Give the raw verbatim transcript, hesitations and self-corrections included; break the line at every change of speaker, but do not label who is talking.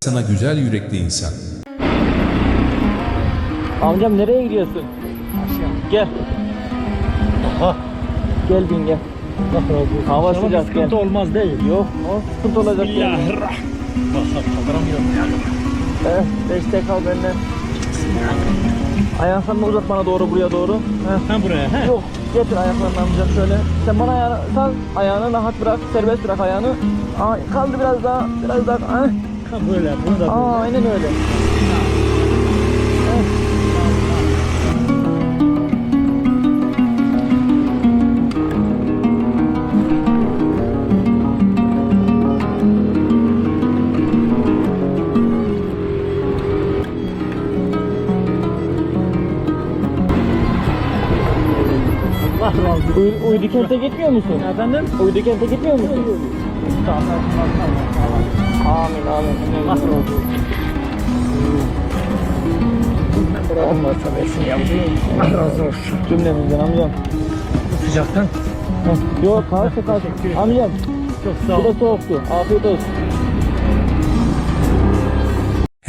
Sana güzel yürekli insan.
Amcam nereye gidiyorsun? Gel.
Ha.
Gel bin gel.
Allah razı olsun.
Hava
İnşallah
sıcak,
bir sıkıntı
gel.
olmaz değil.
Yok, o sıkıntı olacak.
Bismillahirrahmanirrahim. Bak kaldıramıyorum ya.
Eh, destek al benden. Ayaklarını uzat bana doğru, buraya doğru. Heh.
Ha buraya he.
Yok, getir ayaklarını amcam şöyle. Sen bana ayağını sal, ayağını rahat bırak, serbest bırak ayağını. Aa, kaldı biraz daha, biraz daha. Ah.
Ha böyle, bunu da böyle.
Aa, aynen öyle.
Allah razı olsun.
Uy Uydu kente gitmiyor musun?
Efendim?
Uydu kente gitmiyor musun?
Tamam, tamam, tamam.
Amin amin.
Allah razı olsun. Olmazsa versin yavrum. Allah razı olsun.
Cümlemizden amcam.
Bu sıcaktan
Heh, yok kalsın kalsın. Amcam
çok sağ
bu
ol.
da soğuktu. Afiyet olsun.